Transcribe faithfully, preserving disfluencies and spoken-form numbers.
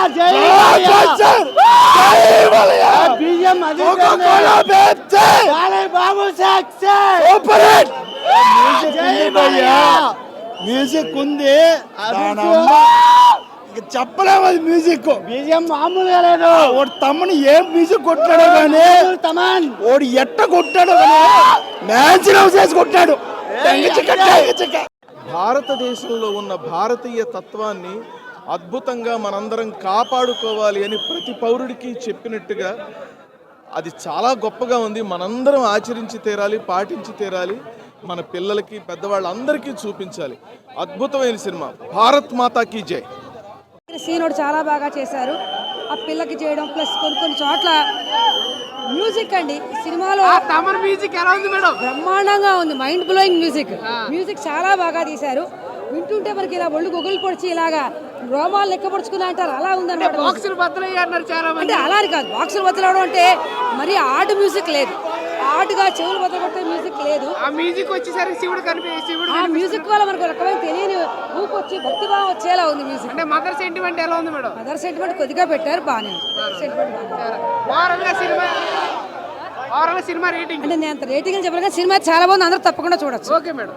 Music ఉంది, చెప్పలేము. అది మ్యూజిక్ బీజిఎం మామూలుగా లేదు. వాడు తమ్ముని ఏం మ్యూజిక్ కొట్టాడో కానీ తమన్ వాడు ఎట్ట కొట్టాడో మ్యాన్షన్ చేసి కొట్టాడు. భారతదేశంలో ఉన్న భారతీయ తత్వాన్ని అద్భుతంగా మనందరం కాపాడుకోవాలి అని ప్రతి పౌరుడికి చెప్పినట్టుగా అది చాలా గొప్పగా ఉంది. మనందరం ఆచరించి తీరాలి, పాటించి తీరాలి, మన పిల్లలకి పెద్దవాళ్ళందరికీ చూపించాలి. అద్భుతమైన సినిమా. భారత్ మాతాకి జై. సీనుడు చాలా బాగా చేశారు. ఆ పిల్లకి చేయడం ప్లస్ కొన్ని కొన్ని చోట్ల మ్యూజిక్ అండి సినిమాలో తమన్ మ్యూజిక్ ఎలా ఉంది మేడం? బ్రహ్మాండంగా ఉంది. Mind blowing music. మ్యూజిక్ చాలా బాగా తీశారు. వింటుంటే మనకి ఇలా ఒళ్ళు గుగులు పొడిచి ఇలాగా రోమాలు లెక్కపడుచుకున్నా అంటారు, అలా ఉందన్నమాట. బాక్సులు బద్దలయ్యారు చాలా మంది. అంటే అలా కాదు, బాక్సులు బద్దలవడం అంటే మరి ఆర్ట్ మ్యూజిక్ లేదు, ఆర్ట్గా చెవులు బద్దలగొట్టే మ్యూజిక్ లేదు. ఆ మ్యూజిక్ వచ్చేసరికి శివుడు కనిపి శివుడు ఆ మ్యూజిక్ వల్ల మనకు రకమైన తెలియని ఊపు వచ్చి భక్తిభావం వచ్చేలా ఉంది మ్యూజిక్. అంటే మదర్ సెంటిమెంట్ ఎలా ఉంది మేడం? మదర్ సెంటిమెంట్ కొద్దిగా పెట్టారు, బాగానే సినిమా. సినిమా రేటింగ్ అంటే నేను అంత రేటింగ్ చెప్పాను, సినిమా చాలా బాగుంది, అందరూ తప్పకుండా చూడొచ్చు. Okay madam.